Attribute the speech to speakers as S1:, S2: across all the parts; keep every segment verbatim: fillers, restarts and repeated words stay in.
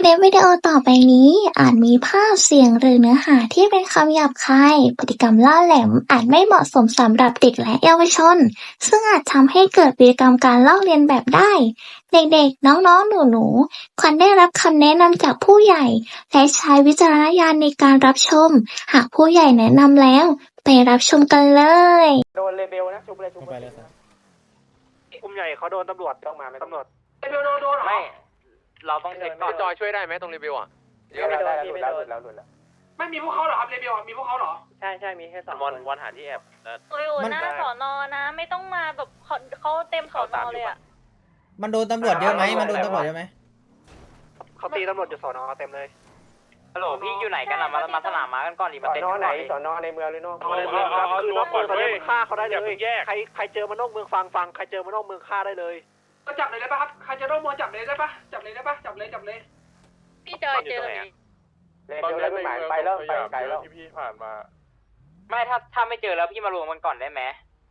S1: ลิปวิดีโอต่อไปนี้อาจมีภาพเสียงหรือเนื้อหาที่เป็นคำหยาบคายพฤติกรรมล่าแหลมอาจไม่เหมาะสมสำหรับเด็กและเยาวชนซึ่งอาจทำให้เกิดพฤติกรรมการลอกเลียนแบบได้เด็กๆน้องๆหนูๆควรได้รับคำแนะนำจากผู้ใหญ่และใช้วิจารณญาณในการรับชมหากผู้ใหญ่แนะนำแล้วไปรับชมกันเลย
S2: โดนเลเบลนะชุบเลยชุบเลยกลุ่มใหญ่เขาโดนตำรวจต้องมาไหมตำรวจเลเบลโดนโดนไม่เราต้องเช็คก่อน
S3: จอยช่วยได้ไหมตรงเลเบลอ่ะ
S2: เดี๋ยวไม่โดนที่ไม่โดนแล้วหลุดแล้วไม่มีพวกเขาเหรอครับเลเบลมีพวกเขาเหรอใช่ใช่มีแค่สอง
S3: วันวันหาที่แอบ
S4: โอ้ยหน้าสอนอนะไม่ต้องมาแบบเขาเต็มสอนอเลยอ่ะ
S5: มันโดนตำรวจเยอะไหมมันโดนตำรวจเยอะไหม
S2: เขาตีตำรวจอยู่สอนอเต็มเลย
S3: ฮัลโหลพี่อยู่ไหนกันล่ะมามาสนามมากันก่อนดิมาเต็ม
S2: สอนอไหนสอนอในเมืองหรือนอกเมืองครับคือนอกเมืองตอนนี้มึงฆ่าเขาได้เลยใครใครเจอมานอกเมืองฟังฟังใครเจอมานอกเมืองฆ่าได้เลยก็จับเลยได้ปะครับใครเจอนอกเมืองจับเลยได้ปะจับเลยได้ปะจับเลยจับเลย
S4: พี่จอยเจอเลย
S2: เลเบลแล้วหมายไปแล้วไปไกลแล้ว
S3: ที่พี่ผ่านมาไม่ถ้าถ้าไม่เจอแล้วพี่มารวมกันก่อนได้ไหม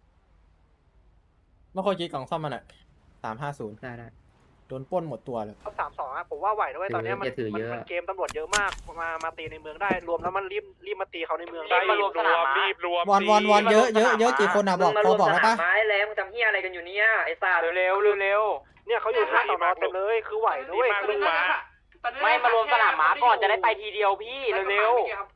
S5: เมื่อคนคิดกล่องซ่อมมันอ่ะสามห้าศูนย์ได้ได้โดนป้นหมดตัวเลย
S2: เขาสามสองอ่ะผมว่าไหวด้วยตอนนี้มันมันเกมตำรวจเยอะมากมามาตีในเมืองได้รวมแล้วมันรีบรีบมาตีเขาในเมืองได้
S3: มารวมสนามรีบรวม
S5: วอนวอนวอนเยอะเยอะเยอะกี่คนอ่ะบอกพอบอกได้ปะ
S3: ไม้แล้วมึงทำเหี้ยอะไรกันอยู่เนี่ยไอ้สัตว์เร็วเร็ว
S2: เนี่ยเขาอยู่ที่สอนอเต็มเลยคือไหวด้วย
S3: ไม่มารวมสนามม้าก่อนจะได้ไปทีเดียวพี่เร็ว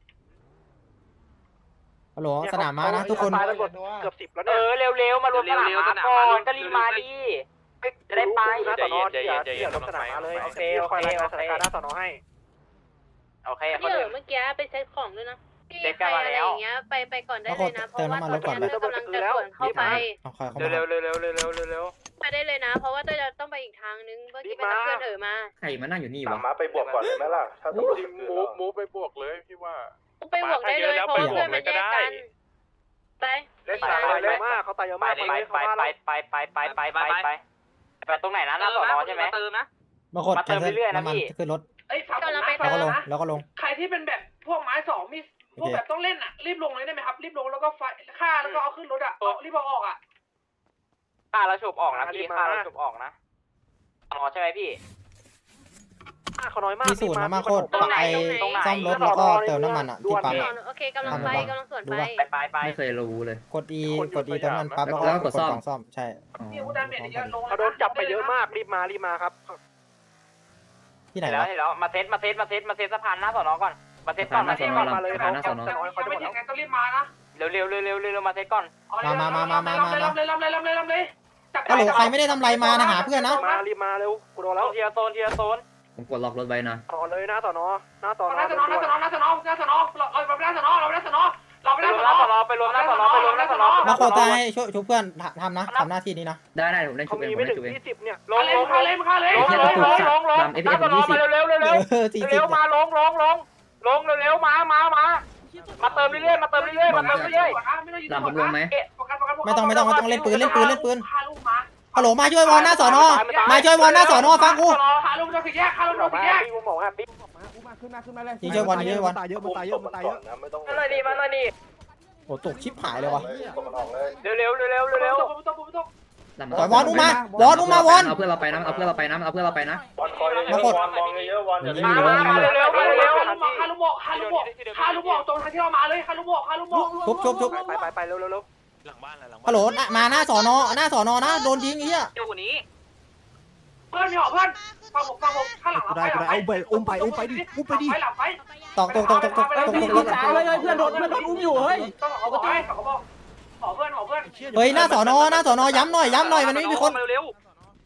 S5: ฮัลโหลสนามม้านะทุกคน
S2: เกือบสิบแล้ว
S3: เอ
S2: เนี่ย
S3: อเร็วๆมารวมสนามม้าก่อนก็รีบมาดิจะได้ไป
S2: นะสอนอเดี๋ยวเดี๋ยวลงสนามมาเลยโอเคโอเคโอเคหน้าสอนอให้
S3: โอเค
S4: พี่เอ๋เมื่อกี้ไปเซ็ตของด้วยนะพี่ใครอะไรอย่างเงี้ยไปไปก่อนได้เลยนะเพราะว่าตอนนี้กำลังจะสวนเข้าไป
S3: เร็วเร็วเร็วเร็วเร็วเร็ว
S4: ไปได้เลยนะเพราะว่าตัวจะต้องไปอีกทางนึงเมื่อกี้ไปรับเพื่อนเอ๋มา
S6: ใครมานั่งอยู่นี่วะ
S2: มาไปบวกก่อนเลยไหมล่ะถ้าต้อง
S3: มูฟมูฟไปบวกเลยพี่ว่า
S4: ไปบวกได้เลยเพราะว่าเพื่อนมันแยกกันไป
S2: เล่นตายเยอะมากเขาตายเยอะมาก
S3: ไปไปไปไปไปไปไปไปไปไปตรงไหนนะหน้าสอนอใช่ไหม
S5: บางคนมาเติมเรื่อยๆนะพี่ขึ้นรถแล้วก็ลงแล้วก็ลง
S2: ใครที่เป็นแบบพวกไม้สองมีพวกแบบต้องเล่นอ่ะรีบลงเลยได้ไหมครับรีบลงแล้วก็ไฟฆ่าแล้วก็เอาขึ้นรถอ่ะรีบเอาออกอ่ะ
S3: ฆ่าแล้วฉุบออกนะพี่ฆ่าแล้วฉุบออกนะอ๋อใช่ไหมพี่
S2: เขาน้อยมาก
S5: มีสูตรมาโคตรไปซ่อมรถแล้วก็เติมน้ำมันอ่ะที่ปั๊ม
S4: โอเคกำลังไปกำลังสวนไป
S3: ไปไป
S6: ไม่เคยรู้เลย
S5: กด E กด E เติมน้ำมันปั๊บแล้วก็กดกล่องซ่อมใช่
S2: เขาโดนจับไปเยอะมากรีบมารีบมาครับ
S5: ที่ไหน
S3: แล้วแล้วมาเซตมาเซตมาเซตมาเซตสะพานหน้าสอนอก่อนมาเซตก่อนมาเซตก่อน
S2: มาเลยเขาเขาจะไม่ยังไงต้องรีบมานะ
S3: เร็วเร็วเร็วเร็วเร็วมาเซตก่อน
S5: มามามามามามา
S2: เลยเลยเลยเลยเลย
S5: ฮัลโหลใครไม่ได้ทำไรมานะหาเพื่อนนะ
S2: มารีบมาเร็วกูโดนแล้ว
S3: เทียโซนเทียโซน
S6: ผมกดล็อกรถไว้นะ
S2: ต่อเลยหน้าสอนอหน้าสอนอหน้าสอนอหน้าสอนอหน้าสอนอหน้าสอนอเราเราไปหน้าสอนอเราไปหน้าสอนอเราไปหน้าสอนอ
S3: ไปรวมหน้าสอนอไปรวมหน้าสอนอ
S5: มาโคตายช่วยช่วยเพื่อนทำนะทำหน้าที่นี้นะ
S6: ได้ได้ผมได้ช่วยเองผมได้ช่วยเอง
S2: ลงลงเลยมาเลย
S3: ลงลงลงลงลงหน้าสอนอมาเร็วเร็วเร็วเร็วเร็วมาลงลงลงลงเร็วมามามามาเติมเรื่อยๆมาเติมเรื่อยๆมาเติมเรื่อย
S6: ๆหลังผมลงไหม
S5: ไม่ต้องไม่ต้องไม่ต้องเล่นปืนเล่นปืนเล่นปืนฮัลโหลมาช่วยวอลหน้าสอนอมาช่วยวอลหน้าสอนอฟังกู
S2: คาลุงโดนแยกคาลุงโดนแยกกูบอกว่าปิ๊บ
S5: มาขึ้นมาขึ้นมาเลยยิงช่วยวอลยิงช่วยวอล
S2: ตายเยอะมันตายเยอะมันตายเยอะ
S3: มาหน่อยดิมาหน่อยดิ
S5: โอ้ตกชิปหายเลยวะ
S3: เร็วเร็วเร็วเร็วเร็ว
S5: ต่อยวอลอุ้มมาวอลอุ้มมาวอล
S6: เอาเพื่อนเราไปนะเอาเพื่อนเราไปนะเอาเพื่อนเราไปนะ
S5: มาโคตร
S3: มองเยอะวอลอย่า
S2: เร็วเร็วเร็วเร็วคาลุงบอกคาลุงบอกคาลุงบอกตรงทางที่เรามาเลยคาลุงบอกคาลุงบอก
S5: ชุบชุบชุบ
S2: ไปไปไปเร็วเร็วเร็ว
S3: หลังบ้านหลังบ้าน
S5: ฮัลโหลมาหน้าสอนอหน้าสอนอนะโดนยิงเหี้ย
S3: อยู่นี้
S2: เพื่อนมีหอเพื่อนฟังผมฟังผมข้างหลัง
S7: ได้ได้เอาไปอุ้มไปอุ้มไปดิอุ้มไปดิ
S5: ตอกตกตกตกตกตกตกตก
S7: เพื่อนโดนเพื่อนโดนอุ้มอยู่เฮ้ย
S2: ต้องเอาไปเขาบอกขอเพื่อนขอเพื่อน
S5: เฮ้ยหน้าสอนอหน้าสอนอย้ำหน่อยย้ำหน่อยมันไม่มีคน
S3: เร็ว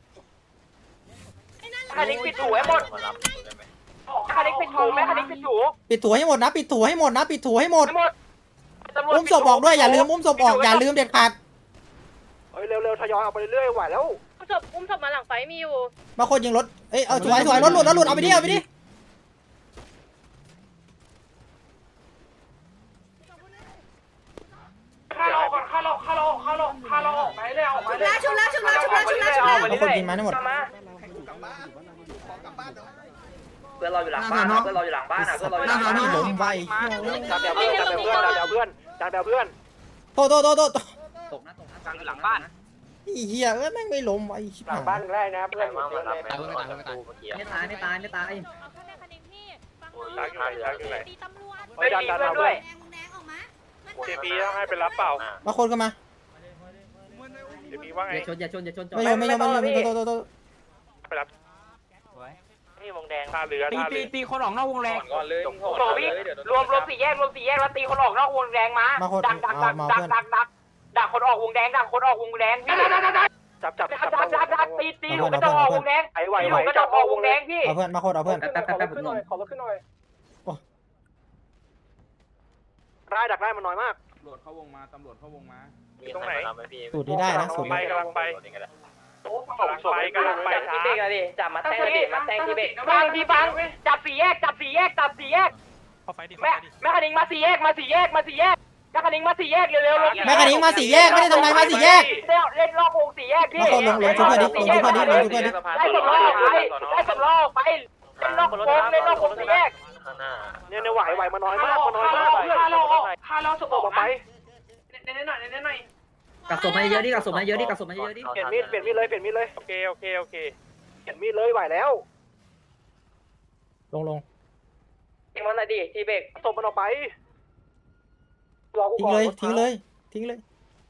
S3: คาลิกปิดถูให้หมดคาลิกปิดถูไหมคาลิกปิดถู
S5: ปิดถูให้หมดนะปิดถูให้หมดนะปิดถูให้หมดอุ้มศพออกด้วยอย่าลืมอุ้มศพออกอย่าลืมเด็ดขาด
S2: เฮ้ยเร็วๆทยอยเอาไปเรื่อยๆไหวแล้ว
S4: อุ้มศพอุ้มศพมาหลังไฟมีอยู่
S5: มาคนยิงรถเอ้ยเอาสวยสวยรถหลุดรถหลุดเอาไปดิเอาไปดิ
S2: ข้าเราก่อนข้าเราข้าเราข้าเราข้าเราออกไปเลยออกไปเลย
S4: ชุบแล้วชุบแล้วชุบแล้วชุบแล้วชุบแล้ว
S5: มาคนยิงมาทั้งหมด
S3: เพื่อนเราอยู่หลังบ้านเพื่อนเราอยู่หลังบ้านอ่ะเพื่อนเราอยู่หลังบ้าน
S5: ล้มไว
S2: จับเดี๋ยวเพื่อนจับเดี๋ยวเพื่อนจับเดี๋ยวเพื่อนจับเดี๋ยวเพื่อน
S5: โตโตโตโต
S6: ตกนะตกนะ
S3: กลางอยู่หลังบ้าน
S5: อีเหี้ยเอ้ยแม่งไม่ล้มไวชิบ
S2: หลังบ้านได้นะเพื่อนอยู่เยอะเลย
S6: ไม่ตายไม่ตายไม่ตาย
S4: ตีตำรวจ
S2: ไปดันดันด้วย
S3: เจพีต้องให้ไปรับเปล่า
S5: มาคนกันมา
S3: เจพีว่าไง
S6: อย่าชนอย่าชนอย่าชนจอด
S5: ไม่ยอมไม่ยอมไม่ยอมโตโตโต
S3: ไปรับ
S2: นี่วงแดง
S3: ท่าเรือ
S7: ตี
S3: ท่า
S7: ตี
S3: เรือ
S7: ตีคนออกนอกวงแรง
S6: ก่อนเลย
S3: โอ้พี่รวมรวมสี่แยกรวมสี่แยกแล้วตีคนออกนอกวงแดงมา
S5: มาคน
S3: ดักดักดัก
S5: มา
S3: ดัก
S5: เพื่อน
S3: ดักดักดักคนออกวงแดงดักคนออกวงแดงพี่ดักดักดักจับจับจับจับจับจับตีตีหนูก็จะออกวงแดงไอ้ไหวไหวก็จะออกวงแดงพี่
S5: เอาเพื่อนมาคนเอาเพื่อน
S6: แป๊บแป๊บแป๊บแป๊บผมลง
S2: ขอรถขึ้นหน่อยได้ดักได้มันน้อยมาก
S7: ตำรวจเข้าวงมาตำรวจเข้าวงมา
S3: ตรงไหน
S5: สูตรนี้ได้นะสูตร
S3: ไป
S5: นี้
S3: กำลังไปกำลังไปกำลังไปช้า
S2: จับมาแทงดิมาแทงที่เบรก
S3: ฟังทีฟังจับสี่แยกจับสี่แยกจับสี่แยกแม่แม่คณิงมาสี่แยกมาสี่แยกมาสี่แยกแม่คณิงมาสี่แยกเร็วเร็ว
S5: แม่คันนี้มาสี่แยกไม่ได้ทำไรมาสี่แยก
S3: เล่นรอบวงสี่แยกพี่
S5: มาคนลงลงชุบเพื่อนดิลงชุบเพื่อนดิลงชุบเพื่อนดิ
S3: ได้สำรองไปได้สำรองไปเล่นรอบวงเล่นรอบวงสี่แยก
S2: เนี่ยเนี่ยไหวไหวมันน้อยมากมันน้อยมากห้าเราห้าเราสบออกไปเน้นๆหน่อยเน้นๆหน่อย
S6: กักศพมาเยอะดิกักศพมาเยอะดิกักศพมาเยอะดิ
S2: เปลี่ยนมีดเปลี่ยนมีดเลยเปลี่ยนมีดเลย
S3: โอเคโอเคโอเค
S2: เปลี่ยนมีดเลยไหวแล้ว
S5: ลงลง
S3: ทิ้งมันหน่อยดิทีเบรก
S2: ตบมันออกไป
S5: ทิ้งเลยทิ้งเลยทิ้งเลย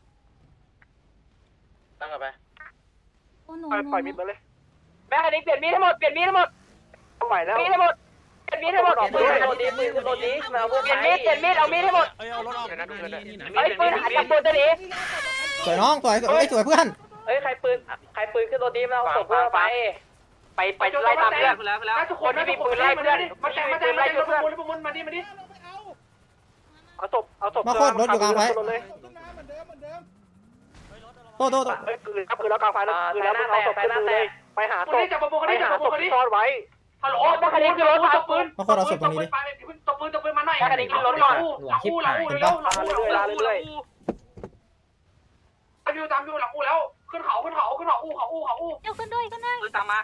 S2: ตั้งกันไป
S1: โอ้หนู
S2: ปล่อยปล่อยมีดมาเลย
S3: แม่คณิงเปลี่ยนมีดให้หมดเปลี่ยนมีดให้หมด
S2: ไหวแล้ว
S3: มีดให้หมดเปลี่ยนมีดให้หมดเปลี่ยนมีดเปลี่ยนมีดเปลี่ยนมีดเอามีดให้หมด
S7: เอ้ยเอารถออก
S3: เฮ้ยปืนหันกับปืนจะหนี
S5: สวยน้องสวยเอ้ยสวยเพื่อน
S3: เฮ้ยใครปืนใครปืนขึ้นรถดีมาเอาศพเพื่อนไปไปไปไล่ตามเพื่อนทุกคนที่มีปืนไล่เพื่อนมาแต่มาแต่ไล่เพื่อนมาดิมาดิเอาศพเอาศพ
S5: มาโคตรรถอยู่กลางไฟโตโตโต
S2: เฮ้ยคืนครับคืนแล้วกลางไฟแล้วคืนแล้วมึงเอาศพขึ้นเลยไปหาศพไปหาศพที่ซ่อนไว้
S3: ฮัลโหลแม่คันนี้คือรถตบปืน
S5: มาโคตรเอาศพตรงนี้ดิ
S2: ตบปืนตบปืนมาหน่อย
S3: แม่คันนี้คือรถก่อน
S6: หลวงชิบหาย
S2: เร็วลาเรื่อยลาเรื่อยตามอยู่ตามอยู่หลังอูแล้วขึ้นเขาขึ้นเขาขึ้นเขาอูเขาอูเขาอู
S4: เดี๋ยวขึ้นด้วยขึ้นด้วย
S2: ตามมา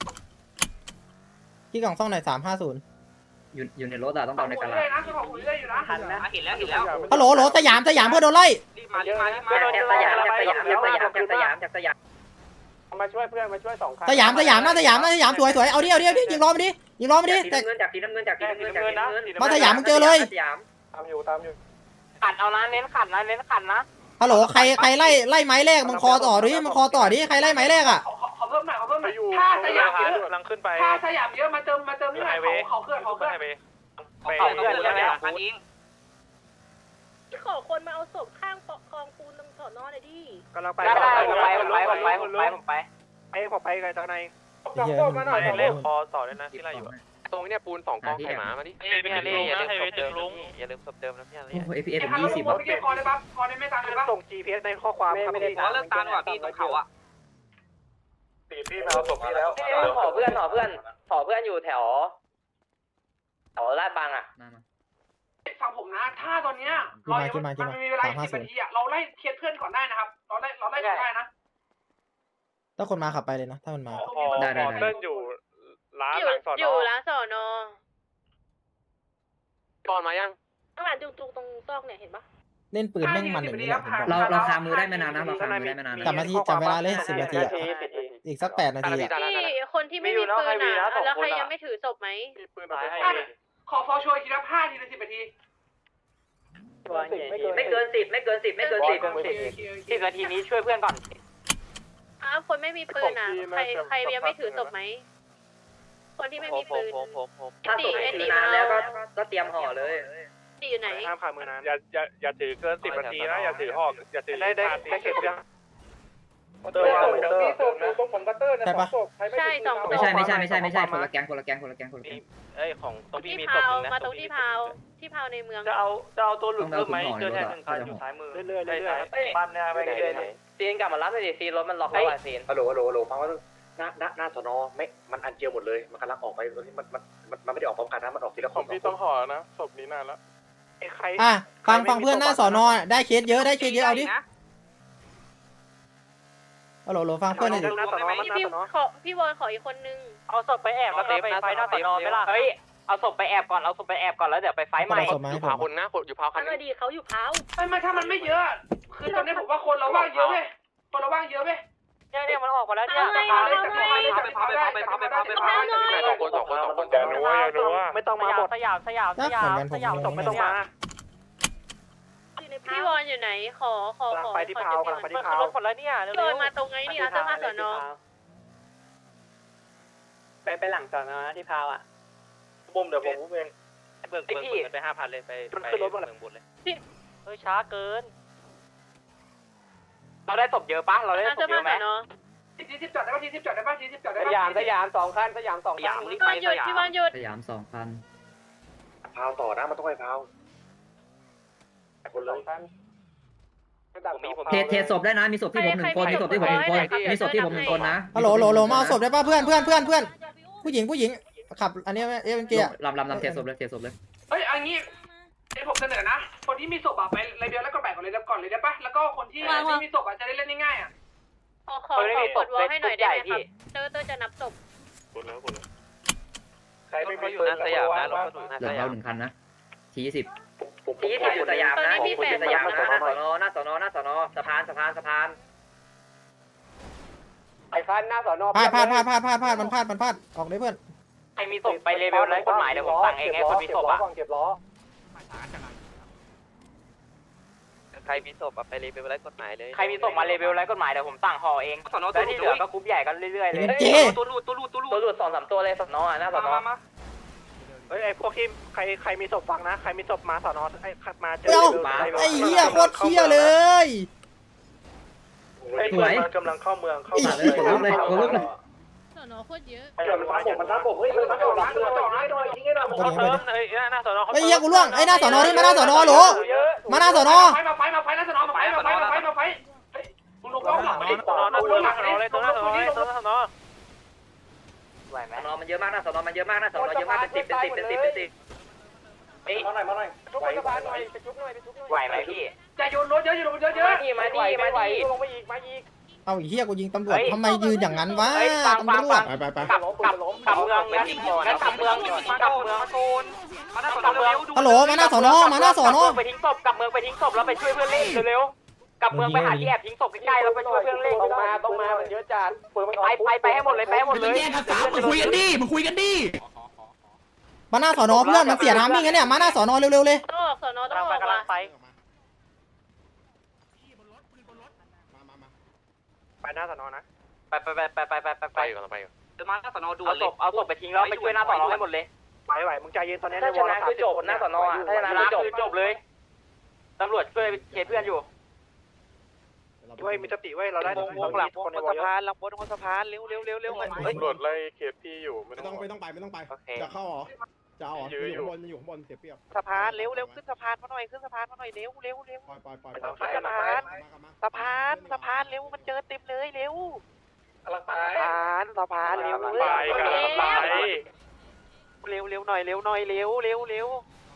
S5: ที่กล่องซ่องหน่อยสามห้าศูนย์
S6: อยู่อยู่ในรถอะต้องเอาในกระ
S2: เล
S6: ลาย
S2: นะขึ้นเขาอูเรื่อยอยู่นะ
S3: ทันนะเห็นแล้วเห็นแล้ว
S5: ฮัลโหลโหลสยามสยามเพื่อนโดนไล่
S2: รีบมารีบมารีบมา
S6: จากสยามจากสยามจากสยามจากสยามจากสยาม
S2: มาช่วยเพื่อนมาช่วยสองคัน
S5: สยามสยามหน้าสยามหน้าสยามสวยสวยเอาดิเอาดิเอาดิยิงล้อมาดิยิงล้อมาดิ
S6: สี
S5: แต่
S6: น้ำเงินจากสีน้ำเงินจากสีน้ำเงินจากสีน้ำเงิน
S5: มาสยามมึงเจอเลย
S6: สยาม
S2: ตามอยู่ตามอยู่
S3: ขันเอานะเน้นขันนะเน้นขันนะ
S5: ฮัลโหลใครใครไล่ไล่ไม้แรกมึงคอต่อดิมึงคอต่อดิใครไล่ไม้แรกอ่ะ
S2: ขอเพิ่มหน่อยขอเพิ่มหน่อยถ้าสยามเยอะ
S3: กำลังขึ้นไป
S2: ถ้าสยามเยอะมาเติมมาเติมนี่หน่อยเขาเขาเคลื่อนเขาเคลื่อน
S3: ไป
S2: เขาเคลื่อนใช่ไหมคันนี้
S4: ขอคนมาเอาศพข้างกองปูนตรงสอนอหน่อยดิ
S2: กำลังไป
S3: ได้ได้ผมไปผมไปผมไปผมไปผมไป
S2: ไอ้ผมไปไกลจากใน
S5: เหี้ยมันมันมัน
S3: เล่นคอต่อเลยนะที่ไรอยู่
S8: ตรงเนี้ยปูนสองกองไข่หมามาดิ
S3: พี่ฮาเล่อย่าลืมศพเดิม
S8: อย่าลืมศพเดิมนะพี่ฮา
S6: โอ้
S8: เล่
S6: โหเอพีเอ
S2: ไอ้
S6: ผม
S2: คันร
S6: ยี่
S2: ถ
S6: สิบ
S2: ผมไม่เกี่ยวคอได้ปะคอได้ไม่ตามเลยปะส่ง จี พี เอส ในข้อความครับพี่
S3: เลิกตามว่ะพี่ตรงเขาอ่ะ
S2: ตีพี่มาเอาศพพี่แล้ว
S3: ขอเพื่อนขอเพื่อนขอเพื่อนอยู่แถวแถวลาดบางอ่ะ
S6: มามา
S2: ฟังผมนะ ถ้าตอนเนี้ยเรายังมันมีเวลาสิบนาทีอ่ะเราไล่เคลียร์เพื่อนก่อนได้นะครับเราไล่เราไล่ก่อนได้นะ
S5: ถ้าคนมาขับไปเลยนะถ้ามันมา
S3: พอเล่นอยู่ร้าน
S4: อยู่
S3: หลังสอน
S4: อยู่ร้านสอนอ
S8: ตอนมายัง
S4: ข้างหลังจุกๆตรงซอกเนี่ยเห็นปะ
S5: เล่นปืนแม่งมันอย่างนี้แหละผมบอก
S6: เราเราคามือได้ไม่นานนะเราคามือได้ไม่นานนะ
S5: จำนาทีจำเวลาเลยสิบนาทีอ่ะอีกสักแปดนาทีอ่ะ
S4: ที่คนที่ไม่มีปืนอ่ะแล้วใครยังไม่ถือศพไหม
S3: ปืนไปให้
S2: ขอฟอช่วยทีละห้าทีละสิบนาที
S3: ไม่เกินสิบไม่เกินสิบไม่เกินสิบสิบนาทีนี้ช่วยเพื่อนก่อน
S4: อ้าวคนไม่มีปืนอ่ะใครใครยังไม่ถือศพไหมคนที่ไม่มีปืน
S8: ผมผมผม
S6: ถ้าศพไม่ถือนานแล้วก็ก็เตรียมห่อเลย
S4: ตีอยู่ไหน
S2: ห้ามขามือนาน
S3: อย่าอย่าอย่าถือเกินสิบนาทีนะอย่าถือหอกอย่าถือ
S2: ได้ได้ได้เก็บยัง
S3: เติมเติม
S2: มีศพอยู่ตรงผมกัตเตอร์นะสองศพ
S4: ใช่สองศ
S6: ไม่
S4: พ
S6: ใช่ไม่ใช่ไม่ใช่ไม่ใช่คนละแก๊งคนละแก๊งคนละแก๊งคนละแก๊ง
S8: เอ้ยของตรงพี่
S4: ที่
S8: มีศ
S4: พา
S8: พ
S4: ว
S8: นึงนะ
S4: มาตรงที่พาวที่พาวในเมือง
S3: จะเอาจะเอาตัวหลุดเพิ่มไหมเจอแทนหนึ่งคันอยู่ซ้ายมือ
S2: เรื่อยๆเรื่อยๆ
S3: บ้านเนี่ยไปเรื่อยๆซีนกลับมารับเลยดิซีนรถมันล็อกแล้วอ่ะซีน
S9: ฮัลโหลฮัลโหลฮัลโหลฟังว่าหน้าหน้าหน้าสนไม่มันอันเจียวหมดเลยมันกำลังออกไปมันมันมันมันไม่ได้ออกพร้อมกันนะมันออกทีละคน
S3: พี่ต้องห่อนะศพนี้นานแล้ว
S2: ไอ้ใคร
S5: อ่ะฟังฟังเพื่อนหน้าสอนอได้เคสเยอะได้เคสเยอะเอาดิฮัลโหลโหลฟังเพื่อนหน่อยดิ
S2: หน้าสนอมันห
S4: พี่
S2: น้า
S4: พี่
S2: สนอ
S4: ขอพี่บอยขออีกคนนึง
S3: เอาศพไปแอบแล้วเตะไปไฟหน้าสอนอไม่ล่ะเฮ้ยเอาศพไปแอบก่อนเอาศพไปแอบก่อนแล้วเดี๋ยวไปไฟใหม่
S5: เอาศพมา
S8: อ
S5: ให้
S8: ยู่
S5: ผ
S8: พาม คนนะอยู่พาวคั
S4: อั
S8: น
S4: นอดีเขาอยู่พาว
S2: ไม่ไม่ถ้ามันไม่เยอะ คือตอนนี้ผมว่าคนเราว่างเยอะเว้ยคนเราว่างเยอะเว้ย
S3: แเนี่ยเนี่ยมันออกมาแล้วเนี่ย
S4: เอาไง
S2: พา
S4: เอา
S2: เลย
S4: ไง
S2: จับพาเลยจับพาเลยจับพาไปพาไปพา
S8: สองคนสองคนสองคนอยากรู้ว่าอยากรู้ว่า
S2: ไม่ต้องมาหมด
S3: สยามสยามสยามสยาม
S2: จบไม่ต้องมา
S4: พี่วอนอยู่ไหนขอขอขอ
S2: ไปที่พาวกำลังไปที่พาว
S3: รถหมดแล้วเนี่ย
S4: พี่วอนมาตรงไงนี่อาเซอร์มาสอนอ
S3: ไปไปหลังสอนอที่พาวอ่ะ
S9: บุ้มเดี๋ยวผมเอง
S8: เบิกเบิกเบิกไปห้าพันเลยไปไปเมืองบุญเลย
S3: เฮ้ยช้าเกินเราได้ศพเยอะปะเราได้
S4: อา
S3: ศ
S4: เซอ
S3: พ
S4: ร์
S3: เย
S4: มา
S3: อะไหม
S4: สอนอ
S2: ทีสิบจอดได้ป่ะทีสิบจอดได้ป่ะทีสิบจอดได้
S3: ส
S2: ป่ะ
S3: ยามสยามสองคันสยามสองคัน
S4: พี่วอนหยุดพี่วอนหยุด
S6: สยามสองพัน
S9: พาวต่อนะมันต้องไปพาวคนเลย
S8: ผมมีผม
S6: เทเทศพได้นะมีศพที่ผมหนึ่งคนมีศพที่ผมหนึ่งคนมีศพที่ผมหนึ่งคนนะ
S5: ฮัลโหลโหลโหลมาเอาศพได้ป่ะเพื่อนเพื่อนเพื่อนเพื่อนผู้หญิงผู้หญิงขับอันนี้เอฟเอ็นเกียร์
S6: ลำลำลำเทศพเลยเทศพเลย
S2: เฮ้ยอันนี้ไอผมเสนอนะคนที่มีศพอะไปเลยเดียวแล้วก็แบ่งก่อนเลยก่อนเลยได้ป่ะแล้วก็คนที่ไม่มีศพอะจะได้เล่นง่ายๆอะ
S4: ขอขอขอกดวอลให้หน่อยได้ไหมครับเตอร์เตอร์จะนับศพ
S8: คนแล้วคนแล้ว
S9: ใครไม่
S8: เขา
S9: มี
S8: อยู่หน้าสยามนะรถเขาอยู่หน้า
S6: หลั
S8: ส
S6: ง
S8: ยา
S6: เรา
S8: ม
S6: หนึ่งคันนะทียี่สิบ
S9: ทีที่อยู่สยามนะผมอยู่สยามนะหน้าสอนอหน้าสอนอหน้าสอนอสะพานสะพานสะพาน
S3: ไอ้คันหน้าสอนอ
S5: พลาดพลาดพลาดพลาดพลาดพลาดมันพลาดมันพลาดออกเลยเพื่อน
S3: ใครมีศพไปเลเวลไร้กฎหมายเดี๋ยวผมสั่งเองไงคนมีศพอ่ะ
S8: ใครมีศพไปเลยไปไล่กฎหมายเลย
S3: ใครมีศพมาเลเวลไร้กฎหมายเดี๋ยวผมสั่งห่อเองแล้วที่เหลือก็กรุ๊ปใหญ่กันเรื่อยๆเลย
S5: เจ๊
S3: ตัวรูดตัวรูดตัวรูด
S6: ตัวหลุดสองสามตัวเลยสอนอหน้าสอนอ
S2: เฮ้ยไอพวกที่ใครใครมีศพฟังนะใครมีศพมาสอนอไอมาเจอ
S5: เอ้าไอ้เหี้ยโคตรเหี้ยเลย
S6: สวย
S9: กำลังเข้าเมืองเข้า
S6: มาเลยกดลุกเลยกดลุกเลย
S4: สอนอโคตรเยอะ
S9: เดี๋ยวมันทับผมมันทับผมเฮ้ยมันทับผมมันทับผมให้หน่อยทิ้งให้หน่อย
S5: เอาดิเอาดิ
S8: เฮ้ยหน้าสอนอ
S5: ไอ้เหี้ยกูล่วงไอ้หน้าสอนอนี่มาหน้าสอนอโหลมาหน้าสอนอ
S2: ไฟมาไฟมาไฟแล้วสอนอมาไฟมาไฟมาไฟมาไฟเฮ้ยมึงลงกล้องหลังมาดิ
S8: สอนอหน้าสอนอเลยตัวหน้าสอนอเลยตัวหน้าสอนอ
S3: ไหวไหม
S6: สอนอมันเยอะมากนะสอนอมันเยอะมากนะสอนอเยอะมากเป็นสิบเป็นสิบเป็นสิบเป็นสิบ
S9: มาหน่อยมาหน่อย
S3: ชุบไปสะพานหน่อยไปชุบหน่อยไปชุบหน่อยไหวไหมพี่
S2: จะโยนรถเยอะอยู่รถเยอะเยอะ
S3: มาดิมาดิมาดิลงไปอีกมาอีก
S5: เอาไอ้เหี้ยกูยิงตำรวจทำไมยืนอย่างนั้นวะตำรวจไปไปไป
S3: กลับกลับกลับเมืองงั้นงั้นกลับเมืองกลับเมืองโซนมาหน้าสอนอเร็ว
S5: ฮัลโหลมาหน้าสอนอมาหน้าสอนอ
S3: ไปทิ้งศพกลับเมืองไปทิ้งศพแล้วไปช่วยเพื่อนเล่นเร็วๆกลับเมืองไปหาที่แอบทิ้งศพใกล้ๆแล้วไปช่วยเพื่อนเล่นต้องมาต้องมามันเยอะจัดไปไปไปให้หมดเลยไปให้หมดเลย
S7: คุยกันดิมึงคุยกันดิ
S5: มาหน้าสอนอเพื่อนมันเสียน้ำมิ่งกันเนี่ยมาหน้าสอนอเร็วๆเลย
S4: ต้องออกสอนอต้องออก
S3: กำลั
S4: ว่ะ
S3: งไป
S2: ไปหน้าสอนอนะ
S3: ไปไปไปไปไปไปไป
S8: ไปอยู่กำลังไปอยู่
S3: มาหน้าสอนอด่วนเลยเอาศพไปทิ้งแล้วไปช่วยหน้าสอนอให้หมดเลย
S2: ไหวไหวมึงใจเย็นตอนนี้
S3: ถ้าชนะคือจบหน้าสอนอถ้าชนะคือจบเลยตำรวจช่วยเคสเพื่อนอยู่
S2: เว้ยมีสติเว้ยเราได้
S8: วงวงหลังคนในสะพานหลังบนคนสะพานเร็วเร็วเร็วเร็วเฮ้ย
S10: ตำรวจไล่เคสพี่อยู่ไม่
S7: ไม่
S10: ต้
S7: ต้
S10: อ
S7: อง งไม่ต้องไปไม่ต้องไป
S8: โอเค
S7: จะเข้าหรอจะเอาหรออยู่ข้างบนอยู่ข้างบนเสียเปรียบ
S8: สะพานเร็วเร็วขึ้นสะพานมาหน่อยขึ้นสะพานมาหน่อยเร็วเร็วเร็ว
S7: ปล่อยปล่อยปล่อย
S8: สะพานสะพานสะพานเร็วมันเจอเต็มเลยเร็ว
S9: กำลังไป
S8: สะพานสะพานเร็ว
S10: ไปกันไป
S8: เร็วเร็วหน่อยเร็วหน่อยเร็วเร็วเร็วย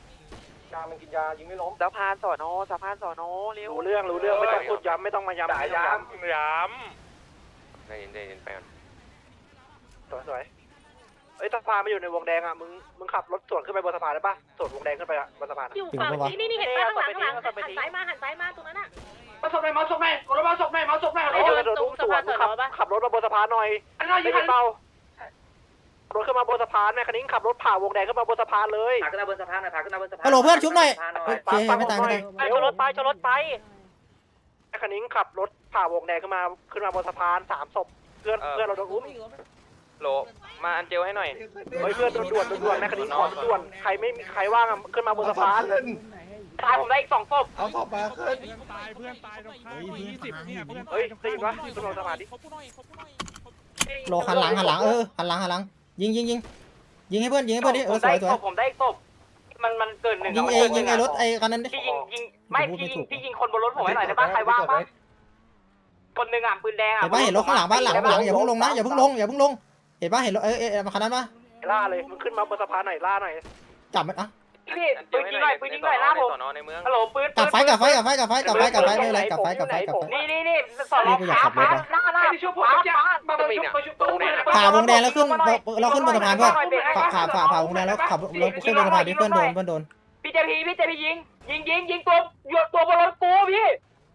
S9: ามันกินยายิงไม่ล้ม
S8: สะพานสอนอสะพานสอนอเร็ว
S2: รู้เรื่องรู้เรื่องไม่ต้องพูดย้ำไม่ต้องมาย้ำ
S9: จ่ายยา
S8: ย้ำได้ยินได้ยินไปก่อน
S2: สวยสวยเอ้ยสะพานมาอยู่ในวงแดงอ่ะมึงมึงขับรถสวนขึ้นไปบนสะพานได้ปะสวนวงแดงขึ้นไปบนสะพาน
S4: อยู่ฝั่งนี้นี่นี่เห็นป่ะข้างหลังข้างหลังหันซ้ายมาหันซ้ายมาตรงนั้นอ่ะ
S2: มาศพไหนมาศพไหนกดรถมาศพไหนมาศพไหน
S4: ไอ้โดนตรงสะพานสอนอปะ
S2: ขับรถมาบนสะพานหน่อยอันนั้นยิงเบารถขึ้นมาบนสะพานแม่คันนี้ขับรถผ่าวงแดงขึ้นมาบนสะพานเลย
S6: พาขึ้นมาบนสะพานหน่อยพาขึ้นมาบนสะพาน
S5: ฮัลโหลเพื่อนชุบหน่อยโอเคไม่ตายไม่ตาย
S3: ไปชนรถไปชนรถไป
S2: แม่คันนี้ขับรถผ่าวงแดงขึ้นมาขึ้นมาบนสะพานสามศพเพื่อนเพื่อนเราโดนอุ้ม
S8: โหลมาอันเจลให้หน่อย
S2: เฮ้ยเพื่อนด่วนด่วนด่วนแม่คันนี้ขอด่วนใครไม่มีใครว่างขึ้นมาบนสะพาน
S3: ตายผมได้อีกสองศพ
S7: เอาศพมาขึ้นตายเพื่อนตายตรงข้ามยี่สิบเนี่ยเพื่อน
S2: เฮ้ยได้ยินปะขึ้นมาบนสะพานดิ
S5: โหลหันหลังหันหลังเออหันหลังหันหลังยิงยิงยิงยิงให้เพื่อนยิงให้เพื่อนดิเออสวยสวย
S3: ผมได้อีกศพมันมันเกินหนึ่ง
S5: ยิงเองยิงไอ้รถไอ้คันนั้นดิ
S3: พี่ยิงยิงไม่พี่ยิงพี่ยิงคนบนรถผมให้หน่อยได้ปะใครว่างปะคนหนึ่งอ่ะปืนแดงอ่ะ
S5: เห็นปะเห็นรถข้างหลังบ้านหลังหลังอย่าเพิ่งลงนะอย่าเพิ่งลงอย่าเพิ่งลงเห็นปะเห็นรถเอ้ยเอ้ยคันนั้นปะ
S2: ล่าเลยมึงขึ้นมาบนสะพานหน่อยล่าหน่อย
S5: จับมันอ่ะ
S3: พี่ปืนยิงหน่อยปืนยิงหน่อยหน้าผม
S8: สอนอในเมือง
S3: ฮัลโหลปืน
S5: กับไฟกับไฟกับไฟกับไฟกับไฟกับไฟไม่เป็นไรกับไฟกับไฟกับไฟ
S3: นี่นี่นี่สอนอขาขาหน้าหน้า
S2: ไอ้ที่ช่วยผมจะมามาช่วยมาช่วยตัวเนี่ย
S5: ผ่าวงแดงแล้วขึ้นเราขึ้นบนสะพานเพื่อนผ่าผ่าผ่าผ่าวงแดงแล้วขับเราขึ้นบนสะพานดิเพื่อนโดนเพื่อนโดน
S3: พี่เจพีพี่เจพียิงยิงยิงยิงตัวหยดตัวบนรถกูพี่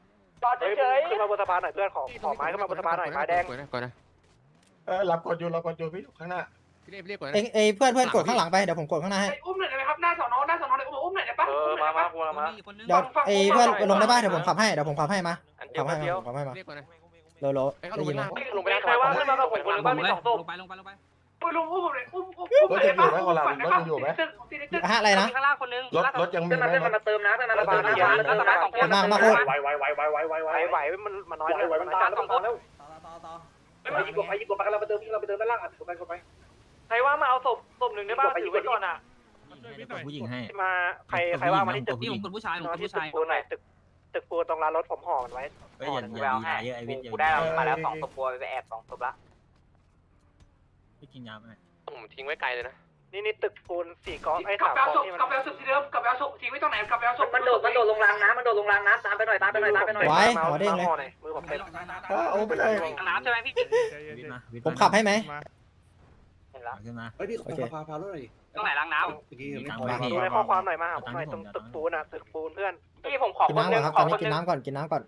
S3: ต่อ
S2: เฮ้ย
S3: เฉย
S2: ขึ้นมาบนสะพานหน่อยเพื่อนขอขอไม้ขึ้นมาบนสะพานหน่อยไม้แดง
S10: ก่อนนะ
S7: เออรับกดอยู่รับกดอยู่พี่ข้างหน้า
S10: พี่เรียกพี่เรียกก่อน
S5: เอ้ยเอ้ยเพื่อนเพื่อนกดข้างหลังไปเดี๋ยวผมกดข้างหน้าให้
S2: อุ้มหน่อยได้ไหมครับหน้าสอนอหน้าสอนอเลยอุ้มหน่อยได้ปะ
S9: เออมามากูมา
S5: เดี๋ยวเอ้ยเพื่อนลงได้ป่ะเดี๋ยวผมขับให้เดี๋ยวผมขับให้มา
S9: อันเดีย
S5: ขั
S9: ว
S5: บให้
S9: เดียว
S5: มาขับให้มา
S10: เรียกก่อนนะ
S5: โลโล
S10: ไอ้เขาล
S5: ได้
S10: งไป
S5: ยินไหม
S10: ล่าง
S9: ลงไป
S3: ๆใครว่างขึ้นมากับผมคนหรือว่ามีสองศพ
S6: ลงไปลงไปลงไป
S2: อุ้มลุงอุ้มผมเลยอุ้มอุ้มอุ้ม
S7: รถยังอยู่ไหมคนละรถยังอยู่ไหม
S5: ฮะอะไรนะ
S3: ข้างล่างคนนึง
S7: รถรถยังมี
S3: เพื่อน
S7: ไหม
S3: มาเพื่อนมาเติมนะเพื่อนมาเติมนะเพื่อนมาเติมนะสองคน
S5: มามาโคตร
S9: ไวไวไวไวไวไวไว
S2: ไหวไหวมันมันน้อย
S9: ไวไวมันตามสองคนแล้ว
S6: ต่อต่อต่อ
S9: ไปยิงกดไปยิงกดไปเราไปเติมเราไปเติมด้านล่างอ่ะกดไปกดไป
S3: ใครว่างมาเอาศพศพหนึ่งได้ป่ะถือไว้ก่อนอ่ะ
S6: ผู้หญิงให้
S2: มาใครใครว่างมาที่ตึก
S6: พี่ผมคนผู้ชายผมคน
S2: ที่
S6: ผู้
S2: ตึ
S6: ชาก ย
S2: ปูนหน่อยตึกตึกปูนตรงร้านรถผมห่อมันไว้
S6: เฮ้ยอย่าอย่าดีนะเยอะไอวิทย์
S3: กูได้มาแล้วสองศพกลัวไปแอบสองศพละ
S6: พี่กินยาไหม
S10: ผมทิ้งไว้ไกลเลยนะ
S2: นี่นี่ตึกปูนสี่กองไอ้
S11: กลับ
S2: สาม
S11: ไปเอา
S2: ก
S11: ศ
S2: อง
S11: พ
S2: ที่มัน
S11: กลับไปเอาศพที่เดิมกลับไปเอาศพทิ้งไว้ตรงไหนกลับไปเอาศพ
S3: มันโดดมันโดดลงรางน้ำมันโดดลงรางน้ำตามไปหน่อยตามไปหน่อยตามไปหน่อย
S5: ไว้หัวเด้งเลย
S2: มือผมเต็ม
S7: โอ้ไม่ได้
S3: น้ำใช่ไหมพี่
S6: วิทย์มาวิทย์
S5: ผมขับให้ไหม
S3: เห็นแล้ว
S6: ขึ้นมา
S9: เฮ้ยพี่ขอ
S5: โอเค
S9: พาพาด้วยหน่อย
S3: ตรงไหนรางน้
S6: มีตังค์
S5: มา
S6: ไหมพี่
S2: ดูในข้อความหน่อยมาหาผมหน่อยตรงตึกปูนอ่ะตึกปูนเพื่อน
S3: ำพี่ผมขอ
S5: กิน
S3: คน
S5: น้ำ
S3: นึ
S5: ก่อน
S3: ง
S5: ครับ
S3: ข
S5: ตอ
S3: อน
S5: นี้
S3: คน
S5: กิน
S3: นึง
S5: น้ำก่อนกินน้ำก่อน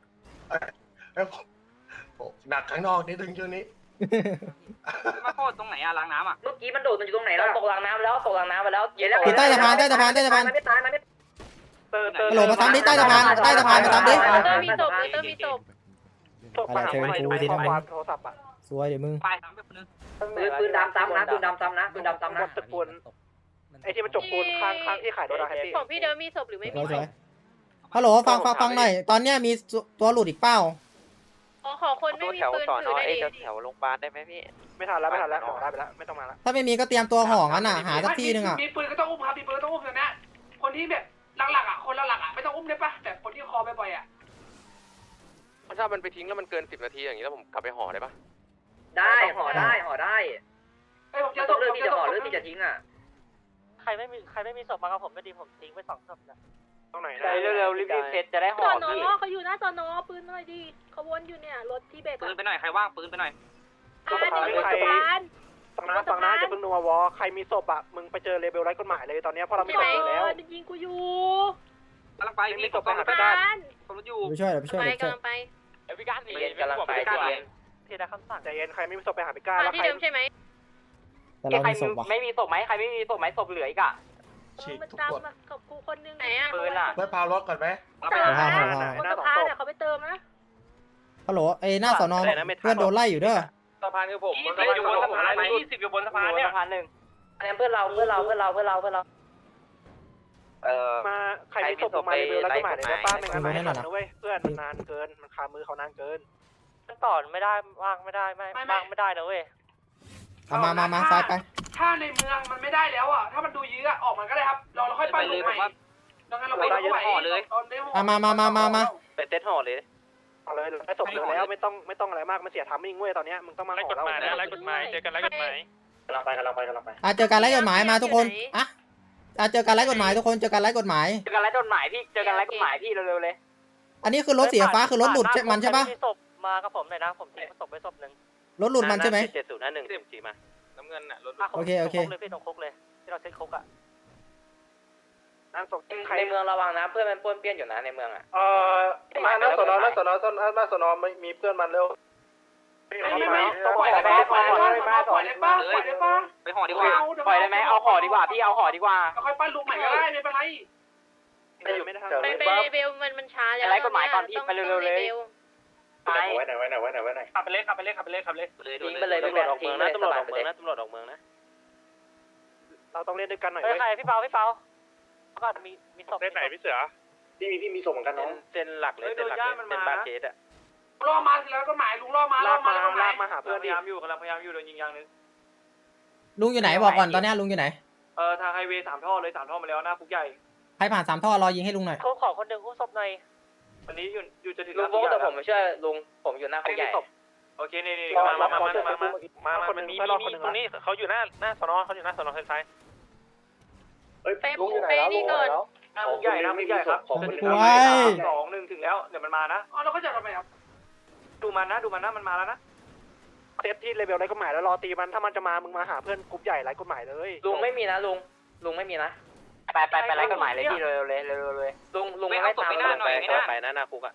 S7: หนักข้างนอกนิดนึงช่วงนี้
S3: มาโคตรตรงไหนอะรางน้ำอะเมื่อกี้มันโดดมันอยู่ตรงไหนแล้วตกรางน้ำแล้วตกรางน้ำไปแล้วเย็นแล้ว
S5: อยู่ใต้สะพานใต้สะพานใต้สะพาน
S3: มันไม่ตายมันไม่
S2: เติมเติม
S5: ฮัลโหลมาตามดิใต้สะพานใต้สะพานมาตามดิ
S4: เตอร์มีศพเตอร์มีศพ
S2: ส่งมาหาผมหน่อยดูในข้อความโทรศัพท์อ่ะ
S5: สวยเดี๋ยวมึง
S3: ไปทำไปคนนึงปืนปืนดำซ้ำนะปืนดำซ้ำนะปืนดำซ้ำนะ
S2: ตึกปูนไอ้ที่มันจกปูนข้างข้างที่ขายรถอะแฮปปี้
S4: ของพี่เดิมมีศพหรือไม่
S5: ส
S4: มี
S5: วย
S4: ศ
S5: สวย
S4: พ
S5: ฮัลโหลฟังฟังฟังหน่อยตอนเนี้ยมีตัวหลุดอีกเป้า
S4: อ๋อขอคนไม่มีปืนถือได้ดิ
S3: แถวโรงพยาบาลได้ไหมพี่
S2: ไม่ทันแล้วไม่ทันแล้วออกได้ไปแล้วไม่ต้องมาแล้ว
S5: ถ้าไม่มีก็เตรียมตัวห่องั้นอ่ะหาสักที่หนึงอ่ะ
S11: มีปืนก็ต้องอุ้มครับมีปืนก็ต้องอุ้มตรงนี้คนที่แบบหลักๆอ่ะคนหลักๆอ่ะไม่ต้องอุ้มได้ปะแบบคนที่คอบ่อยๆอ่ะ
S10: ถ้ามันไปทิ้งแล้วมันเกินสิบนาทีอย่างนี้แล้วผมกลับไปห่อได้ปะ
S3: ได้ห่อได้ห่อได้
S11: ไอ้ผม
S3: จะ
S11: จะ
S3: ต้
S11: ต้
S3: อ
S11: อง ง
S3: เลือก
S11: ผม
S3: ที่
S11: จะ
S3: จะ
S11: ต้
S3: ห่
S11: อ
S3: อง หรือที่จะทิ้งอ่ะ
S8: ใครไม่มีใครไม่มีศพมากับผมไม่ดีผมทิ้งไปสองศพนะ
S2: ตรงไหน
S3: ใจเร็วๆรีบๆเสร็จจะได้ห่
S4: ส
S3: อ
S4: อนอ
S3: พี่
S4: เขาอยู่หน้าสอนอปืนหน่อยดิเขาวนอยู่เนี่ยรถที่เบรก
S3: ปืนไปหน่อยใครว่างปืนไปหน่อย
S4: อ่าเดี๋ยวสะพาน
S2: ฟังนะฟังนะจะเพิ่งนัววอใครมีศพอ่ะมึงไปเจอเลเบลไร้กฎหมายเลยตอนนี้เพราะเราไม่
S4: ใช่
S2: ศ
S4: ไหม
S2: พแล้ว
S4: ยิงกูอยู่
S3: กำลังไปพี่ตก
S2: ไปหา
S4: สะพาน
S3: คนรถอยู่
S5: ไปช่วยเดี๋ยวไปช่วย
S4: ไป
S5: เดี๋ยวไปช่วย
S4: กำลังไป
S3: เอวิการหนีกำลังไปใจเย็น
S8: ที่ได้คำสั่ง
S2: ใจเย็นใครไม่มีศพไปหาพิก้า
S4: มา
S2: แล้ว
S4: ที่
S2: ใคร
S4: เดิมใช่ไหม
S5: แต่เรา
S3: ใคร
S5: มีศพว่ะ
S3: ไม่มีศพไหมใครไม่มีศพไหมศพเหลืออีกอ่ะ
S7: ฉีก
S4: มัน
S7: ทุก
S4: ตาม
S7: คน
S4: มากับกูคนนึงไหนอ่ะ
S3: ปืนอ่ะ
S7: เพื่อพารถก่อนไหม
S4: สะพานบนสะพานเนี่ยเขาไปเติมนะ
S5: ฮัลโหลไอ้หน้าสอนอเพื่อนโดนไล่อยู่เด้อ
S3: สะพานคือผมยี่สิบอยู่บนสะพานยี่สิบอยู่บนสะพานเนี่ยสะพานหนึ่งอันนี้เพื่อนเราเพื่อนเราเพื่อนเราเพื่อนเราเพื่อนเราเออ
S2: มาใครมีศพออกมาเลเบลไร้กฎหมายเลยได้ป้าไม่งั้นไม่ให้นะเว้ยเพื่อนมันนานเกินมันคามือเขานานเกิน
S8: มันต่อไม่ได้ว่างไม่ได้ไม่ว่างไม่ได้นะเว้ย
S5: เอามามามาซ้ายไป
S11: ถ้าในเมืองมันไม่ได้แล้วอ่ะถ้ามันดูยื้อออกมันก็ได้ครับเราเราค่อยปั้นลูกใหม่ดังนั้นเราไปลูกใหม่เลย
S5: เอามามามามามา
S3: เป็นเต็ดห่อเลย
S2: เอาเลยไอ้ศพเหลือแล้วไม่ต้องไม่ต้องอะไรมากมันเสียทามมิ่งเว้ยตอนนี้มึงต้องมาขอเรา
S10: ไล่กฎหมายเจอกันไล่กฎหมาย
S9: กำลังไปกำลังไปกำลังไป
S5: อ่ะเจอการไล่กฎหมายมาทุกคนอ่ะอ่ะเจอการไล่กฎหมายทุกคนเจอการไล่กฎหมาย
S3: เจอกันไล่กฎหมายพี่เจอกันไล่กฎหมายพี่เร็วๆเลย
S5: อันนี้คือรถสีฟ้าคือรถหลุดใช่มันใช่ปะ
S8: มีศพมากับผมหน่อยนะผมทิ้งศพไปศพหนึ่ง
S5: รถหลุดมันใช่ไหม
S3: เจ็ดศูนย์ห้าหนึ่งจีมา
S10: น้ำเงินน่ะรถ
S5: โอเคโอเค
S8: เลยพี่ตรงคุกเลยที่เราเซ็ตคุกอ่ะ
S2: นั่นศพใคร
S3: ในเมืองระวังนะเพื่อนมันป้วนเปี้ยนอยู่นะในเมืองอ่ะ
S2: เอ่อมาหน้าสนอหน้าสนอหน้าสนอไม่มีเพื่อนมันเร็ว
S11: ไม่ไม่ไม่ปล่อยได้ปะปล่อยได้ปะปล่อยได้ปะปล่อยได้ปะ
S3: ไปห่อดีกว่าปล่อยได้ไหมเอาห่อดีกว่าพี่เอาห่อดีกว่า
S11: เราค่อยปั้นลูกใหม่ก็ได้ไม่เป็นไร
S2: ไม่อยู่ไม่ได้ทำ
S4: ไปไปเบลมันมันช้าแล้ว
S3: ไล่กฎหมายก่อนพี่ไปเร็วๆเลย
S9: ไว้ไหนไว้ไหนไว้ไหนไว้ไหน
S3: ขับไปเลยขับไปเลยขับไปเลยขับเลยทิ้งไปเลย
S9: ตำรวจออกเมืองนะตำรวจออกเมืองนะตำรวจออกเมืองนะ
S2: เราต้องเล่นด้วยกันหน่อย
S8: เฮ้ย
S2: เว้ย
S8: ใครพี่เปาพี่เปาก็มีมีศพ
S10: เล่นไหนพี่เสือ
S9: พี่มีพี่มีศพเหมือนกันน้อง
S10: เส้นหลักเลยเส้นหลักเลยเป็นบาเคสอ่ะ
S11: ล่อมาทีแล้วก็หมายลุงล่อมาล่
S2: ลา
S11: อก มา
S2: มา
S11: แล้วก็ห
S2: ลาม
S11: าก ย
S2: มาหาเพื่อน
S3: พ
S2: ดิ
S3: ยายามอยู่กำลังพยายามอยู่โดนยิงยางนึง
S5: ลุงอยู่ไหนบอกก่อนตอนเนี้ยลุงอยู่ไหน
S3: เออทางไฮเวย์สามท่อเลยสามท่อมาแล้วหน้าคุกใหญ่
S5: ใครผ่านสามท่อรอยิงให้ลุงหน่อย
S8: เขาขอคนหนึ่งคู่ศพหน่อย
S3: วันนี้อยู่อยู่จะถึง
S8: ลุงโบ๊ทแต่ผมไม่เชื่อลุงผมอยู่หน้าคุกใหญ่
S3: โอเคนี่นี่
S2: มา
S3: มา
S2: มา
S3: มา
S2: มา
S3: มา
S2: มา
S3: มา
S2: มา
S3: มา
S2: มาคนนึงมีมีตรงนี้
S10: เขาอยู่หน้าหน้าสนอเขาอยู่หน้าสนอซ้าย
S9: เฮ้ย
S4: ไป
S9: ลุงอยู่ไหน
S4: ไป
S9: แล้ว
S4: นี่ก่อน
S3: หน้าคุกใหญ่หน้าคุกใหญ่ครับ
S9: ของคนหนึ่ง
S5: ว้าย
S3: สองหนึ่งถึงแล้วเดี๋ยวมันมานะ
S11: อ๋อเราก็จะทำไมครับ
S3: ดูมันนะดูมันนะมันมาแล้วนะ
S2: เซตที่เลเวลไร้กฎหมายแล้วรอตีมันถ้ามันจะมามึงมาหาเพื่อนกลุ่มใหญ่ไร้กฎหมายเลย
S3: ลุงไม่มีนะลุงลุงไม่มีนะไปไปไปไล่กฎหมายเลยพี่เร็วเลยเร็วเลยลุงลุงไม่ตามไป
S10: ไปนะหน้าคุกอ่ะ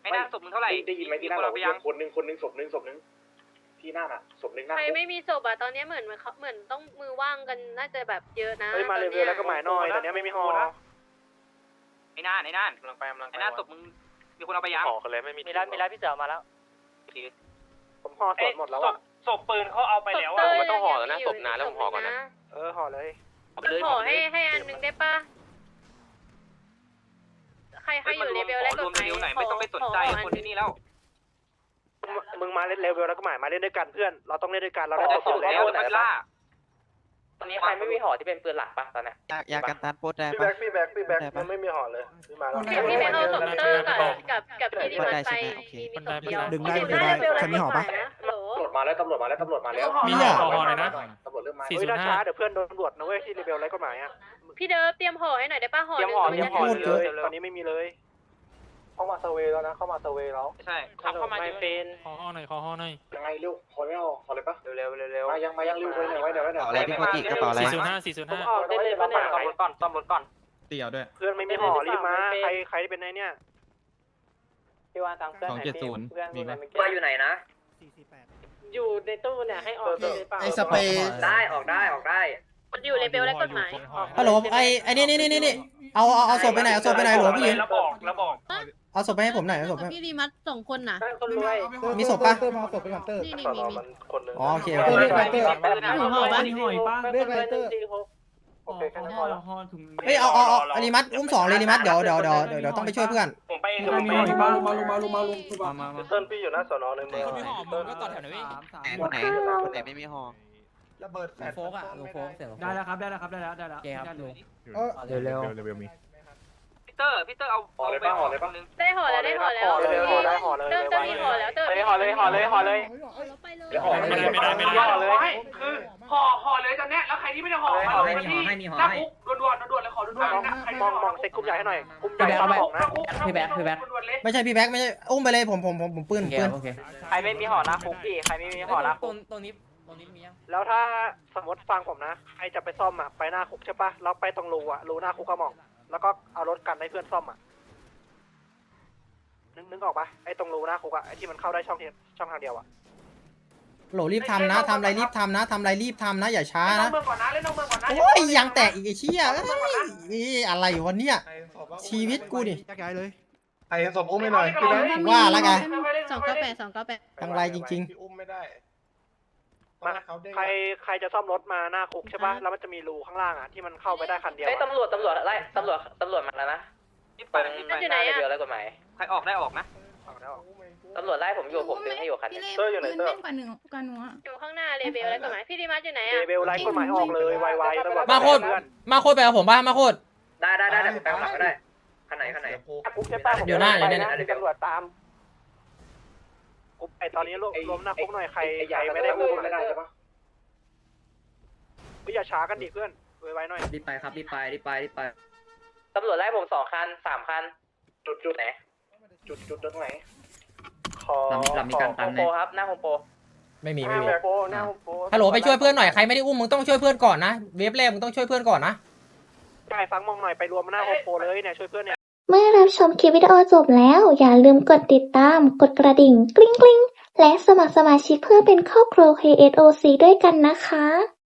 S3: ไอ้หน้าศพมึงเท่าไหร่
S9: ได้ยินไหมที่หน้าเราคนหนึ่งคนหนึ่งศพหนึ่งศพหนึ่งที่หน้าน่ะศพหนึ่งหน้า
S4: ใครไม่มีศพอ่ะตอนนี้เหมือนเขาเหมือนต้องมือว่างกันน่าจะแบบเยอะนะ
S2: เฮ้ยมาเร็วๆแล้วก็หมายน้อยตอนนี้ไม่มีฮอนะ
S3: ไอ้น่านไอ้น่าน
S10: กำลังไปกำลังไป
S3: ไอ้น่าศพมึงมีคนเอาไปยัง
S10: ห่อกันเลยไม่มี
S3: มีร้านมีร้านพี่เสือมาแล้ว
S2: ผมห่อสดหมดแล้วอ่ะ
S3: ศพปืนเขาเอาไปแล้ว
S4: เต้ย
S10: มันต้องห่อแล้วนะศพนานแล้วผมห่อก่อนนะ
S2: เออห่อเลย
S4: ขอให้ให้อันนึงได้ปะใครใครอยู่เลเวลแรกกฎหมาย
S3: ไหนไม่ต้องไปสนใจคนที่นี่แล้ว
S2: มึงมาเล่นเร็วๆแล้วก็หมายมาเล่นด้วยกันเพื่อนเราต้องเล่นด้วยกันเราได้
S3: แต่
S2: ศ
S3: สุ
S2: พ
S3: ด
S2: แล้
S3: แล้ว
S2: ว
S3: มันล่าตอนนี้ใครไม่มีห่อที่เป็นปืนหลักปะตอนนี้
S6: อยากอยากกันตันโพสได้
S2: พี่
S6: ปะ
S2: แบ็คพี่แบ็คพี่แบ็คมันไม่มีห่อเลยพี่มาแล้ว
S4: พี่พี่ไปเอาศพเตอร์กับกับกับพี่ดิมันไปมีมีศพเดียวดึงได้ดึงได้ใครมีห่อปะ
S9: ตำรวจมาแล้วตำรวจมาแล้วตำรวจมาแล้ว
S7: มีอ่ะห่อเลยนะ
S9: ตำรวจเริ่มมา
S2: เฮ้ยถ้าช้าเดี๋ยวเพื่อนโดนตำรวจนะเว้ยที่เรเบลไรกฎหมายอ่ะ
S4: พี่เดิฟเตรียมห่อให้หน่อยได้ปะห่อ
S3: เตรียมห่อเตรียมห่อ
S2: เลยตอนนี้ไม่มีเลยเข้ามาเซเวย์แล้วนะเข้ามาเซเวย์แล้ว
S3: ใช่ขับเข้ามาจะเป็น
S7: ขอห่อหน่อยขอห่อหน่อย
S9: ยังไงเร็วขอไม่เอาขอเลยปะ
S3: เร็วเร็วเร็ว
S9: มายังมายังเร็วไว้หน่อยไว้หน่อยไว้หน่อย
S6: อะไรพี่โคจิกระเป๋าอะไร
S7: สี่ศูนย์ห้าสี่ศูนย์ห้า
S3: ออกได้เลยปะเนี่ยซ่อมรถก่อนซ่อมรถก่อน
S6: เตี่ยวด้วย
S2: เพื่อนไม่มีห่อรีบมาใครใครเป็นไงเนี่ย
S3: พี่วานตามเพื่อน
S6: สองเจ็ดศูนย์มีไหม
S3: ว่าอยู่ไหนนะ
S11: อยู่ในตู้เนี่ยให้ออกได้เปล่า
S5: ไอ้สเปรย์
S3: ได้ออกได้ออกได้
S4: อยู่เลเวลแรกกฎหมาย
S5: ฮัลโหลไอ้ไอ้นี่นี่นี่นี่เอาเอาเอาศพไปไหนเอาศพไปไหนหลวงพี่ยิน
S3: แล้วบอกแล้วบอก
S5: เอาศพไปให้ผมหน่อยเอาศพไป
S4: พี่ดีมัดสองคนน่ะ
S2: คนรวย
S5: มีศพปะ
S4: นี่นี่
S2: สอน
S4: มี
S2: อ
S4: มี
S2: มันคนนึง
S5: อ๋อโอเคโอเค
S4: อยู่ห่อปะ
S11: หอยป้าเรียกอะไรเตอร์
S2: โอเคแค่นั้นพอแล้ว
S5: เฮ้ยเอาเอาเอาอลิมัตอุ้มสองเลยอลิมัตเดี๋ยวเดี๋ยวเดี๋ยวเดี๋ยวต้องไปช่วยเพื่อน
S3: ผมไป
S11: มีหอยป้าลงมาลงมาลงมาลงมา
S2: เติ้ลพี่อยู่หน้าสอนอในเมือง
S7: ไม่ห่อมึงก็ต่อแถวหน่อยพี่
S6: ไหนไหนไม่มีห่อ
S2: ระเบิดแฟลช
S6: โฟกอ่ะลุงโฟกเสร็จ
S11: ได้แล้วครับได้แล้วครับได้แล้วได้แล้ว
S6: แกครับลุง
S7: เร็วเร็วเร็วมี
S3: พีเตอร์พีเตอร์เอา
S9: ห่อเลยปะห่อเลยปะ
S4: ได้ห่อแล้วได้ห่อแล้ว
S2: ห่อเลยห่อได้ห่อเลย
S4: เติมเติมมีห่อแล้วเติม
S3: ห่อเลยห่อเลยห่อเลย
S4: ไปเลย
S9: เดี๋ยวห่อ
S7: ไม่ได้ไม่ได้ไม่ได้
S11: ห่อเลยคือห่อห่อเลยตอนนี้แล้วใครที่ไม่ได้ห่อมาลงมาที่หน้าคุกด่วนๆด่วนๆเลยขอด่วนๆนะใคร
S2: มองมองเซ็ตกลุ่มใหญ่ให้หน่อยกลุ่มใหญ่ซ้ำสองนะ
S11: พี่แบ๊กพี่แบ๊ก
S5: ไม่ใช่พี่แบ็คไม่ใช่อุ้มไปเลยผมผมผมผมปืนปืน
S3: ใครไม่มีห่อนะคุกพี่ใครไม่มีห่อนะคุก
S6: ตรงนี้ตรงนี้มียัง
S2: แล้วถ้าสมมติฟังผมนะใครจะไปซ่อมอ่ะไปหน้าคุกใช่ปะเราไปตรงรูอ่ะรูหน้าคุกกระหม่อมแล้วก็เอารถกันให้เพื่อนซ่อมอ่ะนึกนึกออกปะไอ้ตรงรูหน้าคุกอ่ะไอ้ที่มันเข้าได้ช่องเดียวช่องทางเดียวอ่ะ
S5: โหลรีบทำนะทำอะไรรีบทำนะทำอะไรรีบทำนะอย่าช้า
S11: เล่นน้อ
S5: นะ
S11: งเมืองก่อนนะเล่นน้องเมืองก่อนนะ
S5: โอ้ยยังแตกอีกไอ้เชี่ยเอ้ยอะไรวะเนี่ยชีวิตกูดิ
S2: ไอ้สมอุ้มไม่หน่อย
S5: ว่าแล้วไง
S4: สองเก้าแปดสองเก้าแปด
S5: จังไรจริง
S2: พี่อุ้มไม่ได้มาใครใครจะซ่อมรถมาหน้าคุกใช่ปะแล้วมันจะมีรูข้างล่างอ่ะที่มันเข้าไปได้คันเดียว
S3: เฮ้ยตำรวจตำรวจไล่ตำรวจตำรวจมาแล้วนะตรงหน้าเดียวแล้วกฎหมายใครออกได้ออกนะตำรวจไล่ผมอยู่ผมดึงให้อยู่คัน
S2: เตอร์อยู่ไหนเตอร์
S4: อยู่ข้างหน้าเลเวลแรกกฎหมายพี่ดีมัดอยู่ไหน
S2: เด
S4: อ่ะ
S2: เบลไลท์กฎหมายออกเลยไวๆตำรวจ
S5: ๆ มาโคตรมาโคตรไปกับผมป่ะมาโคตร
S3: ได้ได้ได้เดี๋ยวผมแปลหลังก็ได้คันไหนคันไหน
S2: คุกใช่ปะ
S5: เดี๋ยวหน้าเดี๋ยวหน้า
S2: ตำรวจตามคุกไอตอนนี้รวมรวมหน้าคุกหน่อยใครใครไม่ได้อุ้มไม่ได้ใช่ปะพี่อย่าช้ากันดิเพื่อนไวๆหน่อย
S6: รีบไปครับรีบไปรีบไปรีบไป
S3: ตำรวจไล่ผมสองคันสามคัน
S2: จุดจุด
S3: ไหน
S2: จุดจุดตรงไหนขอ
S6: เรามีการตัน
S3: โปครับหน้าโฮมโป
S5: ไม่มี
S2: ห
S5: ไม่
S2: น้า
S5: มี
S2: โปหน้าโป
S5: ฮัลโหลไปช่วยเพื่อนหน่อยใครไม่ได้อุ้มมึงต้องช่วยเพื่อนก่อนนะเวฟแรกมึงต้องช่วยเพื่อนก่อนนะ
S2: ใช่ฟังมองหน่อยไปรวมหน้าโฮมโปเลยเนี่ยช่วยเพื่อนเนี่ย
S1: เมื่อรับชมคลิปวิดีโอจบแล้ว อย่าลืมกดติดตาม กดกระดิ่ง กริ๊งกริ๊งและสมัครสมาชิกเพื่อเป็นครอบครัว เค เอส โอ ซี ด้วยกันนะคะ